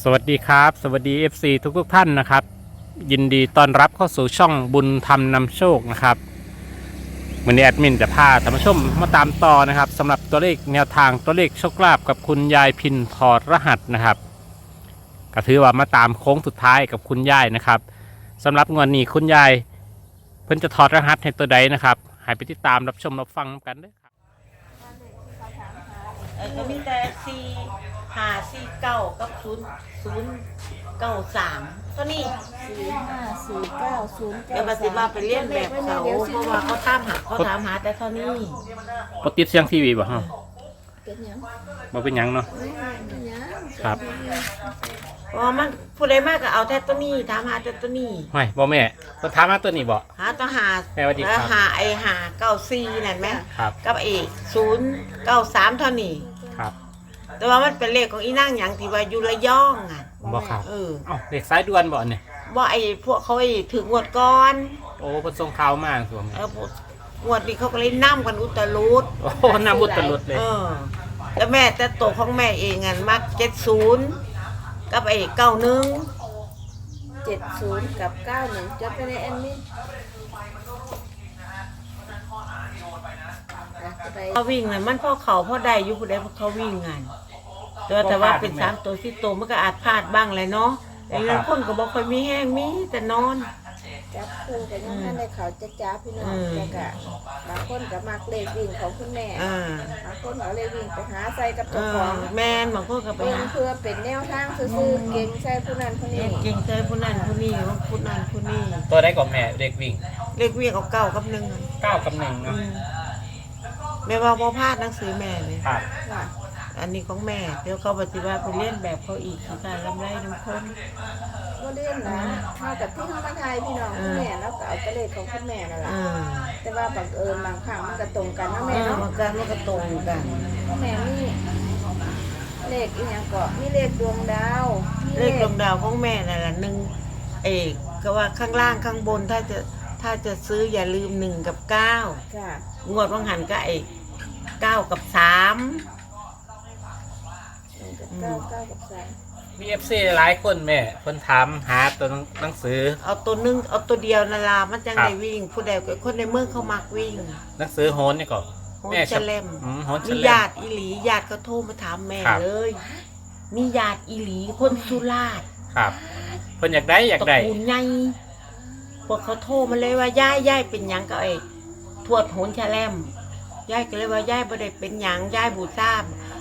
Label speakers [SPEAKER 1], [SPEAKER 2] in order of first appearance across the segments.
[SPEAKER 1] สวัสดีครับสวัสดี FC ทุกท่านนะครับยินดีต้อนรับเข้าสู่ช่องบุญธรรมนำโชคนะครับวันนี้แอดมินจะพาท่านผู้ชมมาตามต่อนะครับสำหรับตัวเลขแนวทางตัวเลขโชคลาภกับคุณยายพินถอดรหัสนะครับก็ถือว่ามาตามโค้งสุดท้ายกับคุณยายนะครับสำหรับงวดนี้คุณยายเพิ่นจะถอดรหัสให้ตัวใดนะครับให้ไปติดตามรับชมรับฟังกันด้วยครับ
[SPEAKER 2] ก็มีแต่4 5 4 9กับ0 0 9 3ตัวนี้
[SPEAKER 3] 454909
[SPEAKER 2] เดี๋ยวมาสิมาไปเรียนแบบเขาเพราะว่าเขาถามหาแต่เท่านี้
[SPEAKER 1] ปติดเสียงทีวีบ่ฮะ
[SPEAKER 3] เป็นหยัง
[SPEAKER 1] บ่เป็นหยังเนาะ
[SPEAKER 3] เป็นหยัง
[SPEAKER 1] ครับ
[SPEAKER 2] เพราะว่ามันผู้ใดมากก็เอาแต่ตัวนี้ถามหาแต่ตัวนี้
[SPEAKER 1] ไม่บ่แม่ต้องถามมาตัวนี้บ่
[SPEAKER 2] หาตัวหา
[SPEAKER 1] แม่สวัสดีครับ
[SPEAKER 2] หาหา94นั่นไหม
[SPEAKER 1] ครับ
[SPEAKER 2] กับ0 9 3เท่านี้
[SPEAKER 1] ครับ
[SPEAKER 2] แต่ว่ามันเป็นเลขของอีนั่งหยังที่ว่าอยู่ระยองอ่ะ
[SPEAKER 1] บ่ครับ
[SPEAKER 2] เออ
[SPEAKER 1] เอ้าเด็กสายด่วนบ่เนี่ย
[SPEAKER 2] ว่าพวกเขาถึงงวดก่อน
[SPEAKER 1] โอ้เพิ่นส่งข่าวมาสวม
[SPEAKER 2] พวกงวดนี้เขาก็เลยนํกันอุตรุด
[SPEAKER 1] โอ้น้ำบุตรลุดเลย
[SPEAKER 2] แล้วแม่แต่ตัวของแม่เองอ่ะมัก70กับ91
[SPEAKER 3] 70กับ91จดไปในแอดมินไป
[SPEAKER 2] เขาวิ่งน่ะมันพ่อเขาพ่อใดอยู่ผู้ใดพวกเขาวิ่งไงแต่ว่าเป็น3 ตัว4 ตัวมันก็อาจพลาดบ้างเลยเนาะแต่บางคนก็บอกค่อยมีแห้งมีแต่นอน
[SPEAKER 3] จับคู่กันยังท่านได้เขาจะจ้าพี่น้องแล้วก็บางคนก็มักเลขวิ่งของคุณแม่บางคนเอาเลขวิ่งไปหาใส่กับตัวของ
[SPEAKER 2] แม่นบางคนก็ไป
[SPEAKER 3] เพิ่
[SPEAKER 2] หา
[SPEAKER 3] เพื่อเป็นแนวทางซื่อๆเก่งใส่ผู้นั้นผู้นี้
[SPEAKER 2] เก่งใจผู้นั้นผู้นี้ผู้นั้นผู้นี้
[SPEAKER 1] ตัวได้ก่อนแม่เด็กวิ่ง
[SPEAKER 2] เลขวิ่งเอา9กับ1
[SPEAKER 1] 9 กับ 1เนาะ
[SPEAKER 2] แม่ว่าบ่พลาดหนังสือแม่เลย
[SPEAKER 1] ครับ
[SPEAKER 3] ค่ะ
[SPEAKER 2] อันนี้ของแม่เดี๋ยวเขาปฏิบัติไปเล่นแบบเขาอีกคือการลำไรน้ำคน
[SPEAKER 3] ก็เล่นนะเท่ากับที่เขามาทายพี่น้องคุณแม่แล้วก็เอาไปเลขของคุณแม่นั่นแหละแต่ว่าบังเอิญบางครั้งมันก็ตรงกันนะแม่เนาะ
[SPEAKER 2] มันก็ตรงกัน
[SPEAKER 3] แม่มีเลขอีกอย่างก็มีเลขดวงดาวมี
[SPEAKER 2] เลขดวงดาวของแม่นั่นแหละ1เอกก็ว่าข้างล่างข้างบนถ้าจะซื้ออย่าลืม1กับ9
[SPEAKER 3] ค่ะ
[SPEAKER 2] งวดวังหันก็9กับ3
[SPEAKER 3] 9กับ3
[SPEAKER 1] มี FC หลายคนแม่เพิ่นถามหาตัวหนังสือ
[SPEAKER 2] เอาตัวนึงเอาตัวเดียวนาลามันจัง
[SPEAKER 1] ครับ
[SPEAKER 2] ได้วิ่ง ผู้ใดก็คนในเมืองเขามักวิ่ง
[SPEAKER 1] หนังสือโหนนี่ก็
[SPEAKER 2] โหน
[SPEAKER 1] แม่
[SPEAKER 2] เฉลม
[SPEAKER 1] โหนเฉ
[SPEAKER 2] มี
[SPEAKER 1] ล
[SPEAKER 2] ญาม ติอีหลีญาติเขาโทรมาถามแม่
[SPEAKER 1] ครับ
[SPEAKER 2] เลย มีญาติอีหลีคนสุราษฎร์
[SPEAKER 1] ครับเพิ่นอยากได้
[SPEAKER 2] ตระกูลใหญ่พวกเขาโทรมาเลยว่าย่ายเป็นหยังกับทวดโหนแฉลมย่ายก็เลยว่าย่ายบ่ได้เป็นหยังย่ายบูชา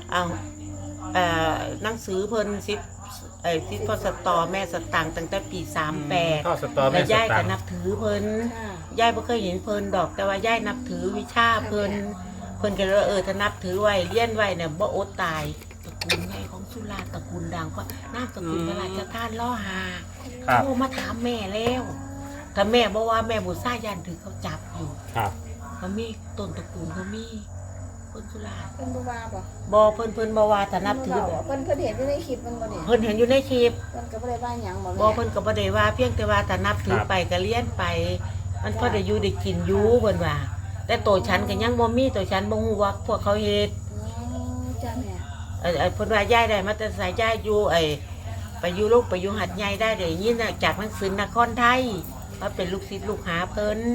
[SPEAKER 2] หนังสือเพิ่นซิพอสตอแม่สตางค์ตั้งแต่ปี38
[SPEAKER 1] ข้าวสตอ
[SPEAKER 2] แล้
[SPEAKER 1] แม่
[SPEAKER 2] ว
[SPEAKER 1] ส
[SPEAKER 2] ย่าย
[SPEAKER 1] ตั
[SPEAKER 2] ก็
[SPEAKER 1] งค์
[SPEAKER 2] นับถือเพิ่น
[SPEAKER 3] ค่ะ
[SPEAKER 2] ย่ายบ่เคยเห็นเพิ่นดอกแต่ว่าย่ายนับถือวิชาเพิ่นก็เลยว่าถ้านับถือไว้เลี้ยนไว้เนี่ยบ่อดตายตระกูลใหญ่ของสุราษฎร์ตระกูลดังเพราะนามสกุลพระราชทานล่อหา
[SPEAKER 1] ครับ
[SPEAKER 2] โทรมาถามแม่แล้วถ้าแม่บอกว่าแม่บุษายันถือเขาจับอยู่
[SPEAKER 1] ครับ
[SPEAKER 2] เขามีต้นตระกูลเขามีคนสุราษฎร์
[SPEAKER 3] เพิ่นบ่ว่าบ่
[SPEAKER 2] บ่เพิ่นบ่ว่าถ้านับถือ
[SPEAKER 3] เพิ่นบ่เว้าเพิ่นเห็นอยู่ในคลิปมันบ่เนี่ย
[SPEAKER 2] เพิ่นเห็นอยู่ในคลิป
[SPEAKER 3] เพิ่นก็บ่ได้ว่าหยังบ่
[SPEAKER 2] บ่
[SPEAKER 3] แม่
[SPEAKER 2] เพิ่นก็บ่ได้ว่าเพียงแต่ว่าถ้านับถือไปก็เลี้ยนไป มันพอได้อยู่ได้กินอยู่เพิ่นว่า แต่ตัวฉันก็ยังบ่มีตัวฉันบ่ฮู้ว่าพวกเขาเฮ็ด
[SPEAKER 3] จ้าแม่
[SPEAKER 2] เพิ่นว่าย้ายได้มาแต่สายย้ายอยู่ไปอยู่ลูกไปอยู่หัดใหญ่ได้ได้ยินจากหนังสือนครไทยว่าเป็นลูกศิษย์ลูกหาเพิ่น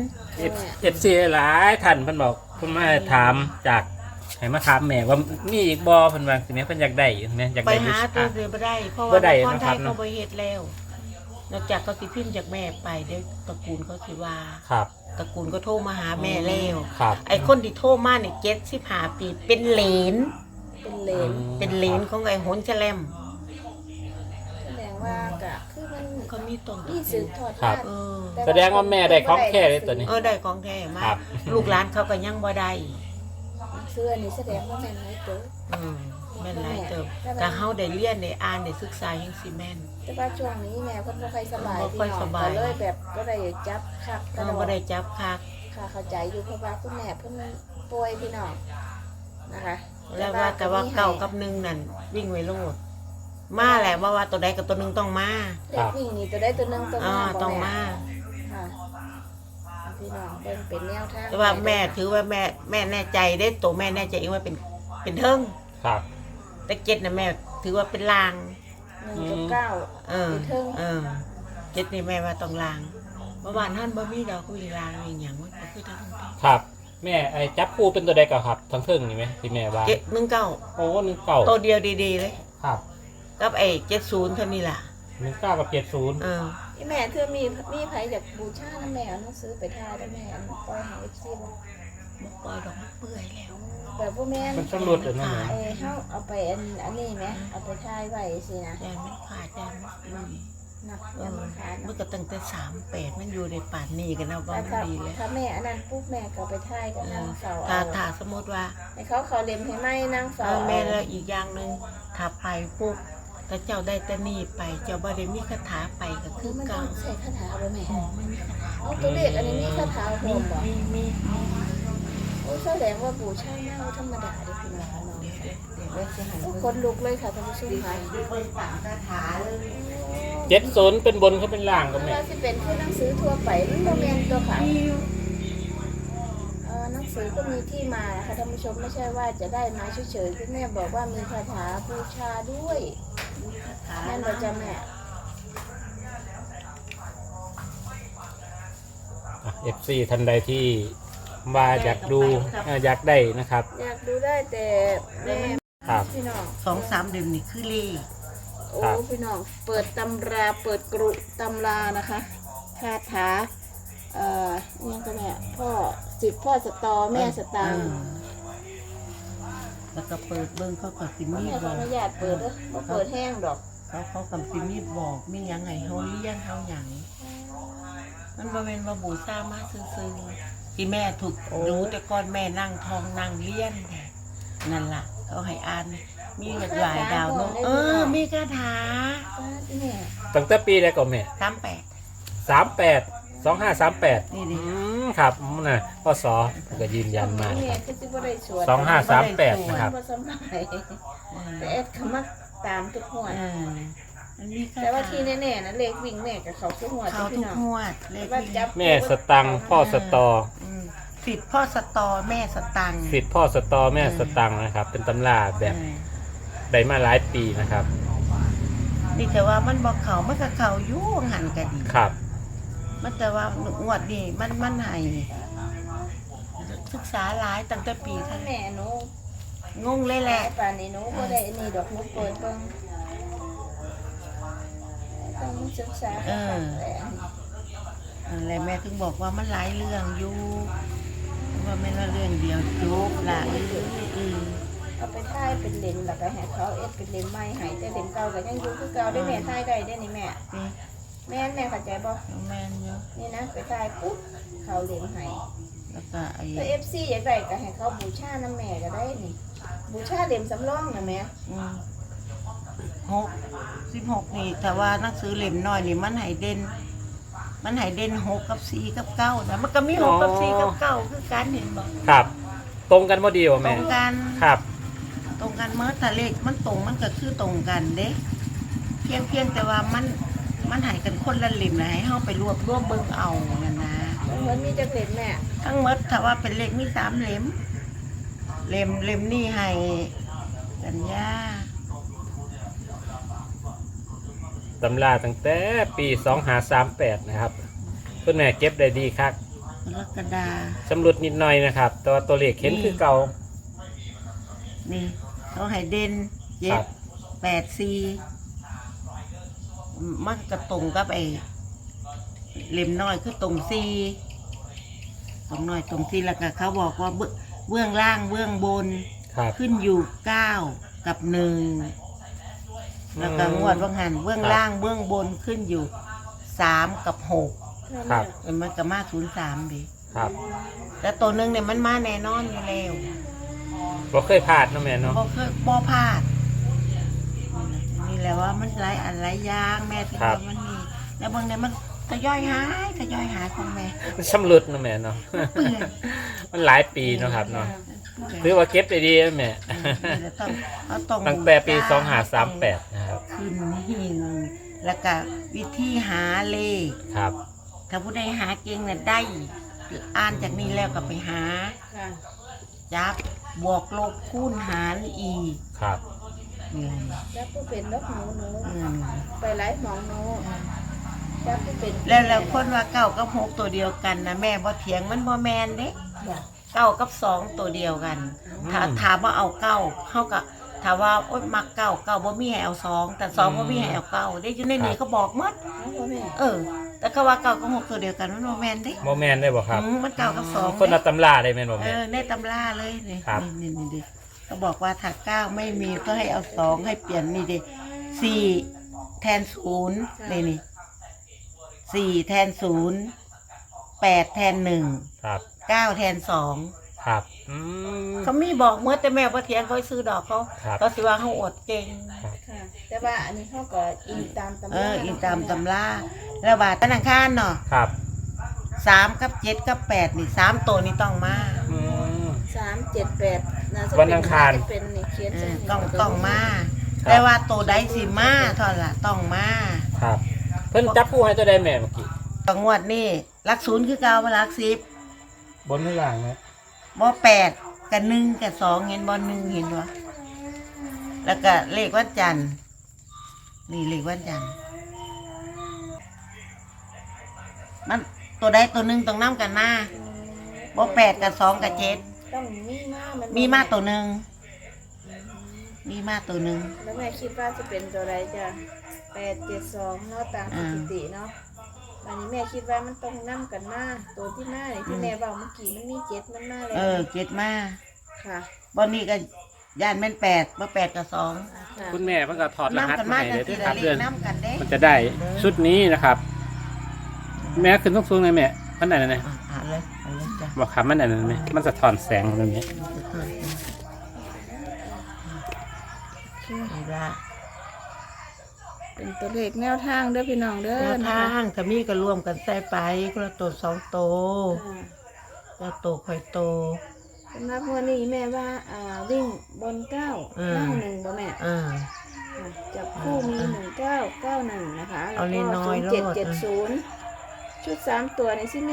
[SPEAKER 1] FC หลายท่านเพิ่นบอกเพิ่นมาถามจากให้มาถามแม่ว่ามีอีกบ่เพิ่นว่าสิแม่เพิ่นอยากได้แม่อยาก
[SPEAKER 2] ไป
[SPEAKER 1] ได้
[SPEAKER 2] หาตัวเดียวบ่ได้เพราะ
[SPEAKER 1] บ่
[SPEAKER 2] ว่า
[SPEAKER 1] ได้
[SPEAKER 2] นครไทย
[SPEAKER 1] นะครับเนอะ
[SPEAKER 2] เขาบ่เฮ็ดแล้ว นอกจากเขาสิพิมพ์จากแม่ไปเดี๋ยวตระกูลเขาสิว่า
[SPEAKER 1] ครับ
[SPEAKER 2] ตระกูลก็โทรมาหาแม่แล้ว
[SPEAKER 1] ครับ
[SPEAKER 2] ไอ้คนที่โทรมาเนี่ย75 ปีเป็นเหลน
[SPEAKER 3] เป็นเลน
[SPEAKER 2] เป็นเหลนของไอ้โหนแฉลม
[SPEAKER 3] แสดงว่าก็คือมัน
[SPEAKER 2] เขามีต้นตระ
[SPEAKER 3] มี
[SPEAKER 2] กู
[SPEAKER 3] สืบ
[SPEAKER 2] ล
[SPEAKER 3] ทอด
[SPEAKER 1] ครับ
[SPEAKER 3] ทอด
[SPEAKER 2] เออ
[SPEAKER 1] แสดงว่าแม่ได้ของแท้เลยตัวนี้
[SPEAKER 2] ได้ของแท้มา
[SPEAKER 1] ครั
[SPEAKER 2] ก
[SPEAKER 1] บ
[SPEAKER 2] ลูกหลานเขาก็ยังบ่ได้
[SPEAKER 3] เสื้อนี่แสดงว่าแม่นไหมเจ้อ
[SPEAKER 2] แม่นหลายเติบแต่เฮาได้เรียนได้อ่านได้ศึกษายังสิแม่น
[SPEAKER 3] แต่ว่าช่วงนี้แม่เพิ่นบ่ค่อยสบาย
[SPEAKER 2] บ่
[SPEAKER 3] พี่
[SPEAKER 2] ค่อย
[SPEAKER 3] น้อ
[SPEAKER 2] ส
[SPEAKER 3] ง
[SPEAKER 2] บาย
[SPEAKER 3] ก็เลยแบบบ่ได้จับคักกระโด
[SPEAKER 2] บ่
[SPEAKER 3] ด
[SPEAKER 2] ได้จับคัก
[SPEAKER 3] ค่ะเข้าใจอยู่เพราะว่าคุณแม่เพิ่นป่วยพี่น้องนะคะ
[SPEAKER 2] แล้วว่าแต่ว่าเก่ากับหนึ่งนั่นวิ่งไว้โลดมาแหละว่าตัวใดกับตัวหนึงต้องมา
[SPEAKER 3] เด็กวิ่งนี่ตัวใดตัวหนึงตัว
[SPEAKER 2] อ่า
[SPEAKER 3] มาบ่
[SPEAKER 2] ต้อง
[SPEAKER 3] แ
[SPEAKER 2] มา
[SPEAKER 3] ค่ะพี่น้องเบิ่งเป็นแนวทาง
[SPEAKER 2] แต่ว่าแม่ถือว่าแม่แน่ใจได้ตัวแม่แน่ใจเองว่าเป็นเทิง
[SPEAKER 1] ครับ
[SPEAKER 2] แต่เจ็ดน่ะแม่ถือว่าเป็นลาง
[SPEAKER 3] 1 กับ 9
[SPEAKER 2] เออ
[SPEAKER 3] ไปเทิง
[SPEAKER 2] เจ็ดนี่แม่ว่าต้องล้างเมื่อวานท่านบ่มีดอกคุยล้างอีกอย่างมันก็คือทั้งที่
[SPEAKER 1] ครับแม่ไอ้จับคู่เป็นตัวใดก่อนครับทั้งเทิงนี่ไหมที่แม่ว่า
[SPEAKER 2] เจ็ด19
[SPEAKER 1] โอ้19
[SPEAKER 2] ตัวเดียวดีๆเลย
[SPEAKER 1] ครับ
[SPEAKER 2] กับไอ้70เท่านี้ล่ะ
[SPEAKER 1] 19กับ70
[SPEAKER 3] อีแม่เธอมีไผอยากบูชานะแม่เอาหนังสือไปทายได้แม่อันปล่อยให้ FC บ่
[SPEAKER 2] บ่ปล่อยดอกมันเปื่อยแล้ว
[SPEAKER 3] แบบบ่แม่น
[SPEAKER 1] มันสำรุดเลยนะแม่
[SPEAKER 3] เฮาเอาไปอันนี้ไหมเอาไปทายไว้สินะ
[SPEAKER 2] ยายมันขาดยายมันเปื่อย
[SPEAKER 3] นักยังมันขาด
[SPEAKER 2] มัน
[SPEAKER 3] เนาะ
[SPEAKER 2] ก็ตั้งแต่38มันอยู่ในป่านนี้กันนะว่า
[SPEAKER 3] แต่
[SPEAKER 2] มัน
[SPEAKER 3] ถ้า
[SPEAKER 2] ดีแล้ว
[SPEAKER 3] ถ้าแม่อันนั้นปุ๊บแม่ก็เอาไปทายกับนางเฝ้า
[SPEAKER 2] ถ้า
[SPEAKER 3] เอา
[SPEAKER 2] ถ้าสมมติว่า
[SPEAKER 3] ให้เขาเล็มให้ไหมนางเฝ้า
[SPEAKER 2] แม่
[SPEAKER 3] เอา
[SPEAKER 2] แล้วอีกอย่างหนึ่งถ้าไปปุ๊บถ้าเจ้าได้แต่นี่ไปเจ้าบ่ได้มีคาถาไปก็คือ
[SPEAKER 3] มันต้
[SPEAKER 2] เก่า
[SPEAKER 3] องใส่คาถาบ่แม่
[SPEAKER 2] ไม่มีคาถา
[SPEAKER 3] เอาตัวเลขอันนี้มีคาถาโฮมบ่
[SPEAKER 2] มี
[SPEAKER 3] โอ้แสดงว่าบูชาเน่าธรรมดาเด้อพี่น้องเนาะ
[SPEAKER 2] เดี๋ยวไว้สิให้
[SPEAKER 3] โอ้
[SPEAKER 2] เบิ่ง
[SPEAKER 3] คนลุกเลยค่ะท่านผู้ชมค่ะ
[SPEAKER 2] เบิ่งตามคาถาเลย
[SPEAKER 1] 70เป็นบนเขาเป็นล่างก็
[SPEAKER 3] เว
[SPEAKER 1] แม่
[SPEAKER 3] ลาสิเป็นคือหนังสือทั่วไปมันบ่แม่นตัวค่ะหนังสือก็มีที่มาค่ะท่านผู้ชมไม่ใช่ว่าจะได้มาเฉยๆคุณแม่บอกว่ามีคาถาบูชาด้วย
[SPEAKER 2] คาถา
[SPEAKER 3] แม่นบ่จ๊ะแม่
[SPEAKER 1] FC ท่านใดที่ว่าอยากดูอยากได้นะครับ
[SPEAKER 3] อยากดูได้แต่แม่
[SPEAKER 1] ครับ
[SPEAKER 3] พี่น้อง
[SPEAKER 2] 2-3 เดือนนี่คือเลข
[SPEAKER 3] โอ้
[SPEAKER 1] ครับ
[SPEAKER 3] พี่น้องเปิดตำราเปิดกรุตำรานะคะคาถาเนี่ยก็แม่พ่อสตอแม่สตางค์
[SPEAKER 2] แล้วก็เปิดเบิ่งเขาก็สิมี
[SPEAKER 3] แม่ข
[SPEAKER 2] บ
[SPEAKER 3] อ
[SPEAKER 2] อก
[SPEAKER 3] อนุญาตเปิดเด้อบ่เปิดแห้งดอก
[SPEAKER 2] เขากับสิมีบอกมีหยังไงเฮาเลี้ยงเฮาหยังมันบ่แม่นว่าบูชามาซื่อๆที่แม่ถูกรู้แต่ก่อนแม่นั่งทองนั่งเลี้ยนนั่นล่ะเขาให้อ่านมีหลายดาวเนาะมีคาถา
[SPEAKER 3] แม่
[SPEAKER 1] ตั้งแต่ปีใดก่อนแม่
[SPEAKER 2] 38
[SPEAKER 1] 2538
[SPEAKER 2] นี่ดิ
[SPEAKER 1] ครับน่ะพศก็ยืนยันมา
[SPEAKER 3] แม่
[SPEAKER 1] ครับ
[SPEAKER 3] ก็สิบ่ได้สวด
[SPEAKER 1] 2538นะครับ
[SPEAKER 3] บ่สำบายแต่เอ็ดเขามาตามทุกหัวด
[SPEAKER 2] มันมีคาถา
[SPEAKER 3] แต่ว่าที่แน่ๆนะเลขวิ่งแม่กับเขาทุกหัวด
[SPEAKER 2] เขา
[SPEAKER 3] พี่
[SPEAKER 2] ทุก
[SPEAKER 3] น้อง
[SPEAKER 2] งวดเลข
[SPEAKER 3] ว่า
[SPEAKER 2] ที่
[SPEAKER 3] จับ
[SPEAKER 1] แม่สตังค์พ่อสตอ
[SPEAKER 2] สิทธิ์พ่อสตอแม่สตังค์
[SPEAKER 1] สิทธิ์พ่อสตอแม่สตังค์นะครับ เป็นตำราแบบได้มาหลายปีนะครับ
[SPEAKER 2] นี่แต่ว่ามันบอกเขามันก็เขาอยู่หันกันดี
[SPEAKER 1] ครับ
[SPEAKER 2] มันแต่ว่างวดนี่มันให้ศึกษาหลายตั้งแต่ปีท่าน
[SPEAKER 3] แม่หนู
[SPEAKER 2] งงเลยแหละ
[SPEAKER 3] ป่านนี้หนูบ่ได้อันนี่ดอกหนูเปิดเบิ่งต้องศึกษาค่ะแต่
[SPEAKER 2] อะไรแม่ถึงบอกว่ามันหลายเรื่องอยู่ว่าไม่ละเรื่องเดียวจบละ
[SPEAKER 3] เอาไปท่ายเป็นเลนแล้วก็ให้เขาเอ็ดเป็นเลนใหม่ให้แต่เลนเก่าก็ยังอยู่คือเก่าได้แม่ท่ายได้ได้นี่แม่
[SPEAKER 2] นี่
[SPEAKER 3] แม่เข้าใจบ่
[SPEAKER 2] แม่นเยอะ
[SPEAKER 3] นี่นะไปท่ายปุ๊บเขาเลนให้
[SPEAKER 2] แล้วก็ไอ้
[SPEAKER 3] ถ้า FC อยากได้ก็ให้เขาบูชาน้ำแม่ก็ได้นี่บูชาเล่มสำรองนะแม่
[SPEAKER 2] 16นี่แต่ว่าหนังสือเล่มน้อยนี่มันให้เด่น6 กับ 4 กับ 9แต่มันก็มี6 กับ 4 กับ 9คือกันเห็นบ่
[SPEAKER 1] ครับ ตรงกันพอดีวะ
[SPEAKER 2] ตร
[SPEAKER 1] แม่
[SPEAKER 2] งกัน
[SPEAKER 1] ครับ
[SPEAKER 2] ตรงกันเมื่อถ้าเลขมันตรงมันก็คือตรงกันเด้เพียงแต่ว่ามันให้กันคนละเล่มนะให้เฮาไปรวบเบิ่งเอานั่นนะ
[SPEAKER 3] มันมีจักเล่มแม่
[SPEAKER 2] ทั้งหมดถ้าว่าเป็นเลขมี3เล่มเล่มนี่ให้สัญญา
[SPEAKER 1] ตำราตั้งแต่ปี2538นะครับคุณแม่เก็บได้ดีครับ
[SPEAKER 2] กรกฎา
[SPEAKER 1] สำรุดนิดหน่อยนะครับแต่ว่าตัวเลขเห็นคือเก่า
[SPEAKER 2] นี่เขาให้เด่น
[SPEAKER 1] ครับ
[SPEAKER 2] 7 8 4มันก็ตรงกับไอ้เล่มน้อยคือตรง4ตรงน้อยตรง4แล้วก็เขาบอกว่าเบื้องล่างเบื้องบน
[SPEAKER 1] ครับ
[SPEAKER 2] ขึ้นอยู่9 กับ 1แล้วก็งวดว่างหันเบื้องล่างเบื้องบนขึ้นอยู่3 กับ 6
[SPEAKER 1] ครับ
[SPEAKER 2] มันก็มา03ดิ
[SPEAKER 1] ครับ
[SPEAKER 2] แต่ตัวหนึงเนี่ยมันมาแน่นอนอยู่แล้ว
[SPEAKER 1] บ่เคยพลาดเนาะแม่เนาะ
[SPEAKER 2] บ่เคยบ่พลาดนี่แหละว่ามันหลายอันหลายอย่างแม่ถึง
[SPEAKER 1] ครับ
[SPEAKER 2] ว่ามันมีแล้วบางเนี่ยมันทยอยหายของแม่
[SPEAKER 1] มันสำรุดเนาะแม่เนาะ
[SPEAKER 2] เปื่อย
[SPEAKER 1] มันหลายปีเนาะครับเนาะถือว่าเก็บได้ดีนะแม่
[SPEAKER 2] นี่แหละต้อง
[SPEAKER 1] ตั้งแต่ปี2538นะครับ
[SPEAKER 2] ขึ้นหิงแล้วก็วิธีหาเลข
[SPEAKER 1] ครับ
[SPEAKER 2] ถ้าผู้ใดหาเก่งน่ะได้อ่านจากนี้แล้วก็ไปหา
[SPEAKER 3] ค่ะ
[SPEAKER 2] จับบวกลบคูณหารอีก
[SPEAKER 1] ครับ
[SPEAKER 2] นี่
[SPEAKER 3] จับผู้เป็นนกหนู
[SPEAKER 2] อืม
[SPEAKER 3] ไปหลายหมองหนูจับผู้เป็น
[SPEAKER 2] แล้วคนว่าเก้ากับหกตัวเดียวกันนะแม่บ่เถียงมันบ่แมนเด้เก้ากับสองตัวเดียวกันถ้าถามว่าเอาเก้าเขาก็ถามว่าโอ๊ยมักเก้าบ่มีให้เอาสองแต่สองบ่มีให้เอาเก้าได้อยู่ในนี้เขาบอกหมด
[SPEAKER 3] เอาบ่แม่
[SPEAKER 2] แต่เขาว่าเก้ากับหกตัวเดียวกันมันบ่แมนเด้
[SPEAKER 1] โมแมนได้บ่ครับ
[SPEAKER 2] มันเก้ากับสอง
[SPEAKER 1] คนละตำราได้แม่นบ่แม่
[SPEAKER 2] ในตำราเลยนี่
[SPEAKER 1] ครับ
[SPEAKER 2] นี่ดิเขาบอกว่าถ้าเก้าไม่มีก็ให้เอาสองให้เปลี่ยนนี่ดิสี่แทนศูนย์นี่สี่แทนศูนย์แปดแทนหนึ่ง
[SPEAKER 1] ครับ
[SPEAKER 2] เก้าแทนสอง
[SPEAKER 1] ครับ
[SPEAKER 2] เขามีบอกเมื่อแต่แม่ว่าเทียนเขาซื้อดอกเขา
[SPEAKER 1] ครับ
[SPEAKER 2] เขาสิว่าเขาอดเก่ง
[SPEAKER 3] ค่ะแต่ว่าอันนี้เขาก็อิงตามตำรา
[SPEAKER 2] อินตามตำราแล้วบาทธนาคารเนาะ
[SPEAKER 1] ครับ
[SPEAKER 2] สามกับเจ็ดกับแปดนี่สามตัวนี้ต้องมา
[SPEAKER 3] 378นะจะ
[SPEAKER 1] วันอังคาร
[SPEAKER 3] จะเป็นนี่เขียนใส่นี่
[SPEAKER 2] ต้องมา แต่ว่าตัวใดสิมาเท่าละต้องมา
[SPEAKER 1] ครับ เพิ่นจับผู้ให้ตัวใดแม่เมื่อกี้
[SPEAKER 2] จังหวัดนี่รักศูนย์คือเก้ามารักสิบบ
[SPEAKER 1] นหรือล่างนะ
[SPEAKER 2] บ่แปดกับหนึ่งกับสองเห็นบ่หนึ่งเห็นวะแล้วก็เลขวันจันทร์นี่เลขวันจันทร์มันตัวใดตัวหนึ่งต้องนํกันมาบ่แปดกับสองกับเจ็ด
[SPEAKER 3] ต้องมีมามัน
[SPEAKER 2] มีมาตัวหนึ่งมีมาตัวหนึ่ง
[SPEAKER 3] แล้วแม่คิดว่าจะเป็นตัวใดจ้ะ872เนาะตามสถิติเนาะอันนี้แม่คิดว่ามันต้องนํกันมาตัวที่มานี่ที่แม่บอกเมื่อกี้มันมี7มันมาแล้ว
[SPEAKER 2] เจ็ดมา
[SPEAKER 3] ค่ะ
[SPEAKER 2] บอนนี้ก็ย่านแม่นแปดบ่แปดกับสอง
[SPEAKER 3] ค่ะ
[SPEAKER 1] คุณแม่เพิ่นก็ถอดรหัส
[SPEAKER 2] กัน
[SPEAKER 1] มา
[SPEAKER 2] มา
[SPEAKER 1] ให้
[SPEAKER 2] กัน
[SPEAKER 1] เลย
[SPEAKER 2] ที
[SPEAKER 1] ด้วยค
[SPEAKER 2] ละ
[SPEAKER 1] รับ
[SPEAKER 2] เล
[SPEAKER 1] เดือ
[SPEAKER 2] ข
[SPEAKER 1] น
[SPEAKER 2] น้ำกันเด้
[SPEAKER 1] มันจะได้ชุดนี้นะครับ แม่ขึ้นสูงๆเลยแม่มันไหนนะ
[SPEAKER 2] อ่านเลยจ้ะ
[SPEAKER 1] บอกครับมันไหนนะแม่มันสะท้อนแสงตรงนี้
[SPEAKER 2] นี่ละ
[SPEAKER 3] เป็นตัวเลขแนวทางเด้อพี่น้องเด้อ
[SPEAKER 2] แนว
[SPEAKER 3] นะ
[SPEAKER 2] ทา
[SPEAKER 3] คะ
[SPEAKER 2] งถ้ามีก็รวมกันใส่ไปคนละตัวสองโตว
[SPEAKER 3] ค่ะ
[SPEAKER 2] แล้วโตค่อยโต
[SPEAKER 3] สำหรับวันนี้แม่ว่าวิ่งบน9
[SPEAKER 2] อืม
[SPEAKER 3] ล่าง1บ่แม่
[SPEAKER 2] อ่า
[SPEAKER 3] ค่ะจับคู่มี1991นะคะแล้ว
[SPEAKER 2] เอา
[SPEAKER 3] ก็
[SPEAKER 2] น้อยๆโลด
[SPEAKER 3] 0770ชุด3ตัวในที่มี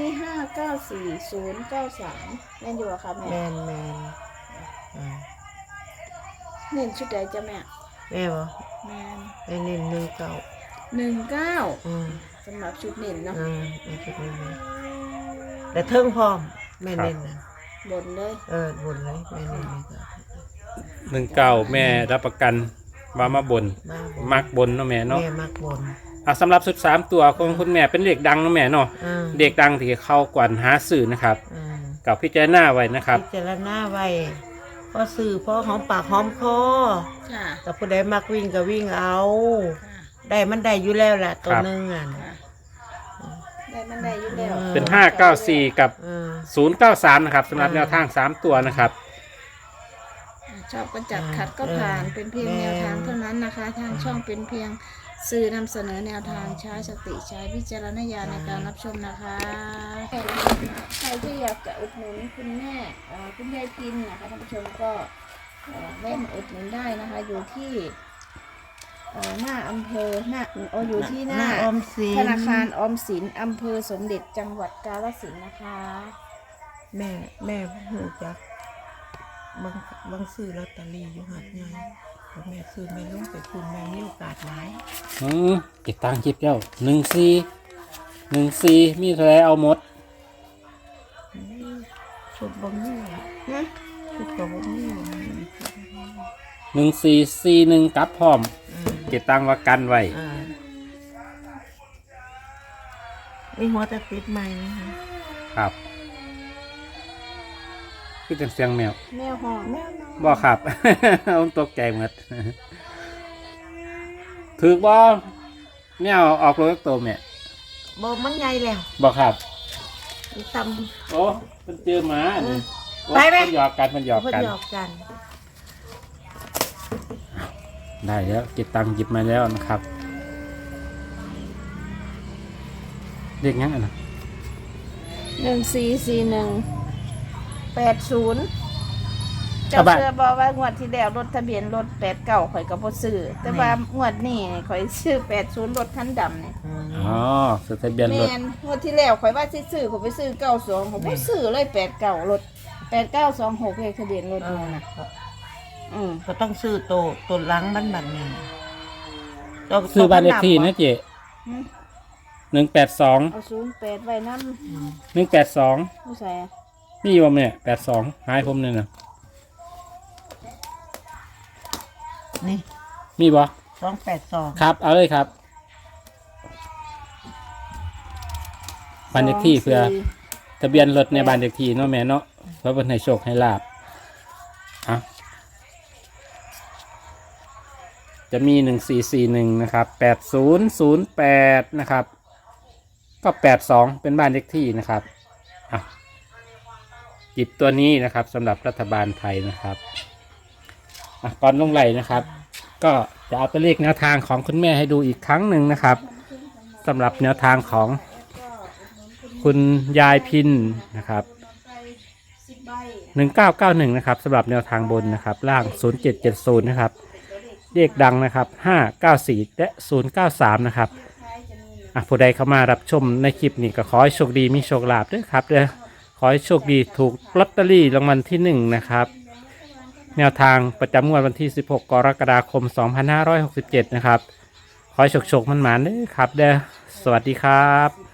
[SPEAKER 3] 594093แม่นอยู่อะค่ะแม่
[SPEAKER 2] แมนอ่า
[SPEAKER 3] เน้นชุดใดจ้ะแม่
[SPEAKER 2] แม่บ่
[SPEAKER 3] แม่น
[SPEAKER 2] แม่เน้น
[SPEAKER 3] 19
[SPEAKER 2] 19
[SPEAKER 3] สำหรับชุดเน้นเนาะ
[SPEAKER 2] แม่คิดไม่แม่แต่เทิงพร้อมแม่เน้นนะ
[SPEAKER 3] บนเลย
[SPEAKER 2] บนเลยแม่เน้นเลยก็
[SPEAKER 1] 19แม่รับประกันว่ามาบน
[SPEAKER 2] มาบน
[SPEAKER 1] มักบนเนาะแม่เนาะ
[SPEAKER 2] แม่มักบน
[SPEAKER 1] สำหรับชุด3ตัวของคุณแม่เป็นเลขดังเนาะแม่เนาะ
[SPEAKER 2] อ่า
[SPEAKER 1] เด็กดังที่เข้ากวนหาสื่อนะครับ
[SPEAKER 2] อ่า
[SPEAKER 1] กับพิจารณาไว้นะครับ
[SPEAKER 2] พิจารณาไว้พอสื่อพอหอมปากหอมคอ
[SPEAKER 3] ค่ะ
[SPEAKER 2] แต่ผู้ใดมักวิ่งก็วิ่งเอา
[SPEAKER 3] ค่ะ
[SPEAKER 2] ได้มันได้อยู่แล้วแหละตัว
[SPEAKER 1] ครับ
[SPEAKER 2] หนึงอ่ะ
[SPEAKER 3] ค่ะได้มันได้อยู่แล้ว
[SPEAKER 1] เป็น594กับ
[SPEAKER 2] อ่า
[SPEAKER 1] 093นะครับสำหรับแนวทาง3ตัวนะครับ
[SPEAKER 3] ชอบก็จัดขัดก็ผ่านเป็นเพียงแนวทางเท่านั้นนะคะ ทางช่องเป็นเพียงสื่อนำเสนอแนวทางใช้สติใช้วิจารณญาณในการรับชมนะคะใครที่อยากจะอุดหนุนคุณแม่คุณยายพินนะคะท่านผู้ชมก็แวะมาอุดหนุนได้นะคะ อยู่ที่หน้าอำเภออยู่ที่หน้า
[SPEAKER 2] ออมสิน
[SPEAKER 3] ธนาคารออมสินอำเภอสมเด็จจังหวัดกาฬสินธุ์นะคะ
[SPEAKER 2] แม่หูจักบางซื้อลอตเตอรี่อยู่หัดใหญ่แต่แม่ซื้อแม่ลงไปคุณแม่มีโอกาสหลาย
[SPEAKER 1] เก็บตังค์คลิปเดียว14มีเท่าไรเอาหมด
[SPEAKER 2] ชุดบ่มีอะชุดก็บ่มีอะ
[SPEAKER 1] 1441กลับพร้อม เก็บตังค์ว่ากันไว้
[SPEAKER 2] มีหัวตะติดใหม่นะคะ
[SPEAKER 1] ครับคือจังเสียงแมว
[SPEAKER 3] แมวหอม
[SPEAKER 1] บ่ครับ ผมตกใจหมดถือบ่แมวออกรถตัวแม่
[SPEAKER 2] บ่มันใหญ่แล้ว
[SPEAKER 1] บ่ครับ
[SPEAKER 2] อีตำ
[SPEAKER 1] โอ้มันเจอหมานี่โอ้
[SPEAKER 2] ไปไหม
[SPEAKER 1] มันหยอกกันมันหยอก
[SPEAKER 2] เพิ่น
[SPEAKER 1] กัน
[SPEAKER 2] หยอกกัน
[SPEAKER 1] ได้แล้วเก็บตังค์หยิบมาแล้วนะครับเรียกงั้นอ่ะนะ
[SPEAKER 3] 144180เจ้าเชื่อบอกว่างวดที่แล้วรถทะเบียนรถ89ข่อยก็บ่ซื้อแต่ว่างวดนี้ข่อยซื้อ80รถคันดำนี่
[SPEAKER 1] อ๋อสทะเบียนรถ
[SPEAKER 3] แม่นงวดที่แล้วข่อยว่าสิซื้อข่อยไปซื้อ92ข่อยบ่ซื้อเลย89รถ8926เลขทะเบียนรถนั่นน่ะ
[SPEAKER 2] ก็ต้องซื้อตัวหลังมันแบบนี้
[SPEAKER 1] ซื้อบ้านเลขที่นะเจ๊
[SPEAKER 3] หืม
[SPEAKER 1] 182
[SPEAKER 3] เอา08ไว้นำ
[SPEAKER 1] 182
[SPEAKER 3] ผู้ใส่
[SPEAKER 1] มีบ่แม่82หายผมเนี่ยนะ
[SPEAKER 2] นี่
[SPEAKER 1] มีบ่
[SPEAKER 2] 282
[SPEAKER 1] ครับเอาเลยครับบ้านเลขที่เพื่อทะเบียนรถในบ้านเลขที่เนาะแม่เนาะเพื่อเป็นให้โชคให้ลาบอ่ะจะมี1441นะครับ8008นะครับก็82เป็นบ้านเลขที่นะครับอ่ะจิบตัวนี้นะครับสำหรับรัฐบาลไทยนะครับอ่ะก่อนลงไหลนะครับ ก็จะเอาตัวเลขแนวทางของคุณแม่ให้ดูอีกครั้งหนึ่งนะครับสำหรับแนวทางของคุณยายพินนะครับ1991นะครับสำหรับแนวทางบนนะครับล่าง0770นะครับเลขดังนะครับ594และ093นะครับผู้ใดเข้ามารับชมในคลิปนี้ก็ขอให้โชคดีมีโชคลาภด้วยครับเด้อขอให้โชคดีถูกลอตเตอรี่รางวัลที่1นะครับแนวทางประจำงวดวันที่16กรกฎาคม2567นะครับขอให้โชคๆมันๆเด้อครับเด้อสวัสดีครับ